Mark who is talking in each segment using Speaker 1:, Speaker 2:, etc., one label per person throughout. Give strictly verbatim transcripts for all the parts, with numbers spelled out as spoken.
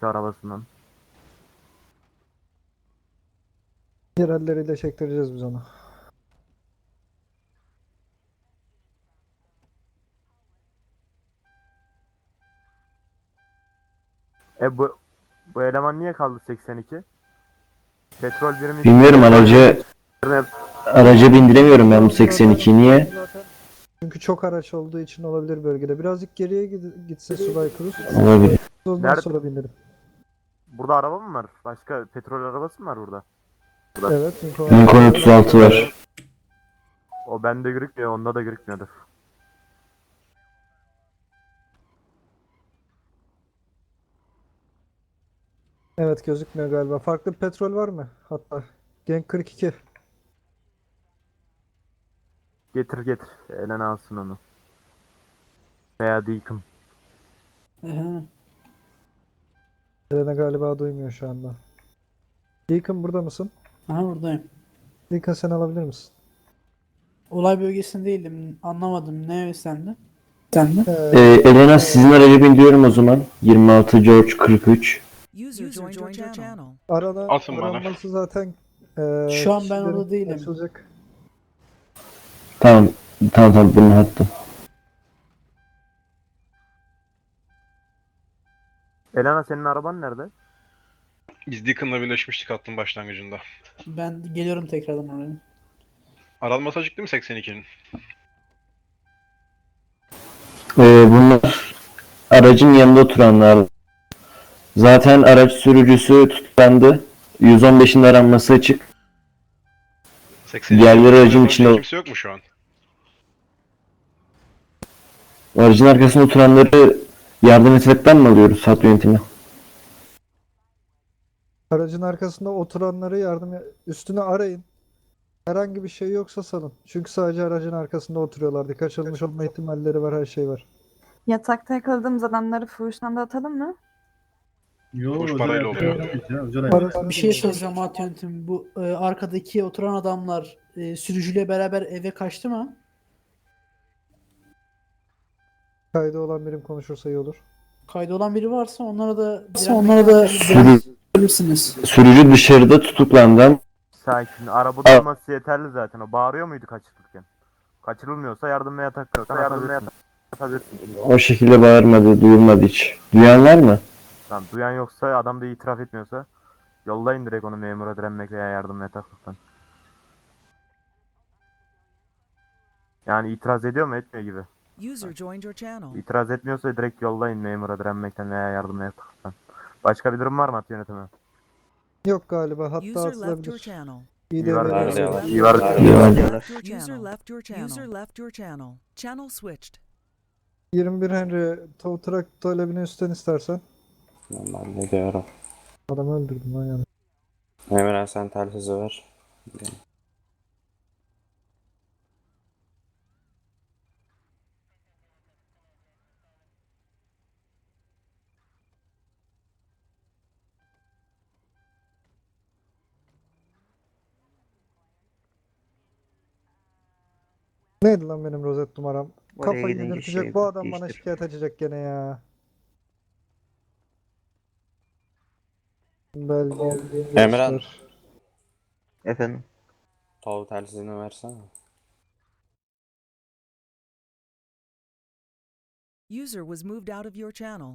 Speaker 1: işte arabasından.
Speaker 2: Yerelleriyle çektireceğiz biz onu.
Speaker 1: E bu bu eleman niye kaldı seksen iki? Petrol birimi
Speaker 3: Bilmiyorum, aracı
Speaker 1: üstüne
Speaker 3: araca bindiremiyorum ben bu
Speaker 2: Zaten-
Speaker 3: seksen ikiyi. Niye?
Speaker 2: zaten çünkü çok araç olduğu için olabilir bölgede. Birazcık geriye gid- gitse Subay Cruz.
Speaker 3: Olabilir.
Speaker 2: Ondan
Speaker 1: Nerede?
Speaker 2: sonra binerim.
Speaker 1: burada araba mı var? Başka petrol arabası mı var burada?
Speaker 2: Evet, Lincoln.
Speaker 3: Lincoln otuz altı var.
Speaker 1: O bende gözükmüyor, onda da gözükmüyordur.
Speaker 2: Evet, gözükmüyor galiba. Farklı bir petrol var mı? Hatta Genk kırk iki.
Speaker 1: Getir getir. Elena alsın onu. Veya Deacon.
Speaker 4: Aha.
Speaker 2: Elena galiba duymuyor şu anda. Deacon burada mısın?
Speaker 4: Aha buradayım.
Speaker 2: Deacon sen alabilir misin?
Speaker 4: Olay bölgesinde değildim. Anlamadım. Ne istendi? Sende?
Speaker 2: Ee,
Speaker 3: Ee, Elena, sizin araca bindiriyorum o zaman. yirmi altı George kırk üç.
Speaker 5: User joined your channel.
Speaker 2: arada
Speaker 6: Atın bana.
Speaker 2: aranması zaten ee,
Speaker 4: Şu an ben
Speaker 2: kişilerin
Speaker 4: orada değilim.
Speaker 2: açılacak.
Speaker 3: Tamam. Tamam tamam, bunu attım.
Speaker 1: Elena senin araban nerede?
Speaker 6: Biz Deacon'la birleşmiştik hattın başlangıcında.
Speaker 4: Ben geliyorum tekrardan oraya.
Speaker 6: Aranması açık değil mi seksen ikinin?
Speaker 3: Ee, bunlar aracın yanında oturanlar. Zaten araç sürücüsü tutuklandı. yüz on beşin aranması açık.
Speaker 6: seksen
Speaker 3: Diğerleri aracın
Speaker 6: iki
Speaker 3: içinde.
Speaker 6: kimse yok mu şu an?
Speaker 3: Aracın arkasında oturanları yardım etmekten mi alıyoruz hat yönetimi?
Speaker 2: Aracın arkasında oturanları yardım üstüne arayın. Herhangi bir şey yoksa salın. Çünkü sadece aracın arkasında oturuyorlardı. Kaçırılmış olma ihtimalleri var, her şey var.
Speaker 7: Yatakta yakaladığımız adamları fuhuştan da atalım mı?
Speaker 8: Yo,
Speaker 6: Boş
Speaker 8: özel
Speaker 6: parayla
Speaker 8: hayat
Speaker 6: oluyor.
Speaker 8: yapıyoruz ya, özel hayat.
Speaker 2: Parasını
Speaker 4: Bir şey
Speaker 2: da-
Speaker 4: soracağım At Yönetim. Bu e, arkadaki oturan adamlar e, sürücüyle beraber eve kaçtı mı?
Speaker 2: Kaydı olan birim konuşursa iyi olur.
Speaker 4: Kaydı olan biri varsa onlara da onlara da
Speaker 3: Sürü,
Speaker 4: bilirsiniz.
Speaker 3: sürücü dışarıda tutuklandı.
Speaker 1: Sakin. Arabada olması yeterli zaten. O bağırıyor muydu kaçırırken? Kaçırılmıyorsa yardım ve yatakta yardım ve atabilirsin.
Speaker 3: O şekilde bağırmadı, duyulmadı hiç. Duyan var mı?
Speaker 1: Tamam, duyan yoksa, adam da itiraf etmiyorsa yollayın direkt onu memura direnmek veya yardım ve yataklıktan. Yani itiraz ediyor mu, etmiyor gibi.
Speaker 5: User joined your channel.
Speaker 1: İtiraz etmiyorsa direkt yollayın memura direnmekten veya yardım ve yataklıktan. Başka bir durum var mı at yönetimi?
Speaker 2: Yok galiba, hatta
Speaker 5: User left your
Speaker 2: atılabilir.
Speaker 5: channel.
Speaker 2: İyi
Speaker 1: İyi var.
Speaker 2: devreye
Speaker 1: İyi
Speaker 2: alıyor.
Speaker 1: var. İyi var.
Speaker 3: İyi var.
Speaker 5: Left your User channel. left your channel. User left your channel. Channel switched.
Speaker 2: yirmi bir Henry tow truck talebini üstten istersen.
Speaker 9: Ben ne diyorum?
Speaker 2: Adamı öldürdüm lan yani.
Speaker 9: Emre sen telsizi ver.
Speaker 2: Neydi lan benim rozet numaram?
Speaker 10: Oraya
Speaker 2: Kafayı
Speaker 10: gidince
Speaker 2: yedirtecek
Speaker 10: şey
Speaker 2: bu adam bana
Speaker 10: değiştir.
Speaker 2: şikayet açacak gene ya. Belge.
Speaker 9: Emran.
Speaker 2: göster.
Speaker 10: Efendim.
Speaker 9: Tol telsizini versene.
Speaker 5: User was moved out of your channel.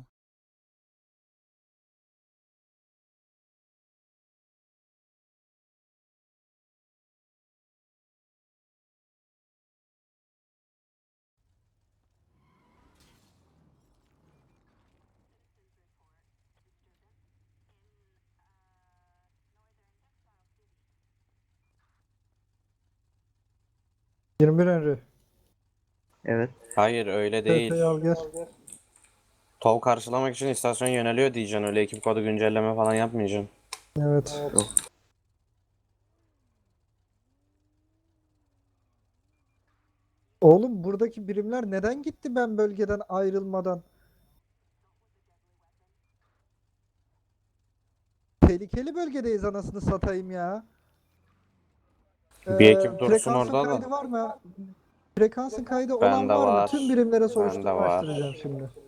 Speaker 2: yirmi bir Henry.
Speaker 10: Evet.
Speaker 9: Hayır öyle değil.
Speaker 2: T P'yi al gel.
Speaker 9: Tol karşılamak için istasyon yöneliyor diyeceksin. Öyle ekip kodu güncelleme falan yapmayacaksın.
Speaker 2: Evet. Oğlum buradaki birimler neden gitti ben bölgeden ayrılmadan? Tehlikeli bölgedeyiz anasını satayım ya.
Speaker 9: Bir
Speaker 2: Ee,
Speaker 9: ekip dursun
Speaker 2: frekansın
Speaker 9: orada da.
Speaker 2: kaydı var mı? Frekansın kaydı olan
Speaker 9: Bende
Speaker 2: var mı?
Speaker 9: var.
Speaker 2: Tüm birimlere
Speaker 9: Bende
Speaker 2: soruşturma
Speaker 9: var.
Speaker 2: açtıracağım şimdi.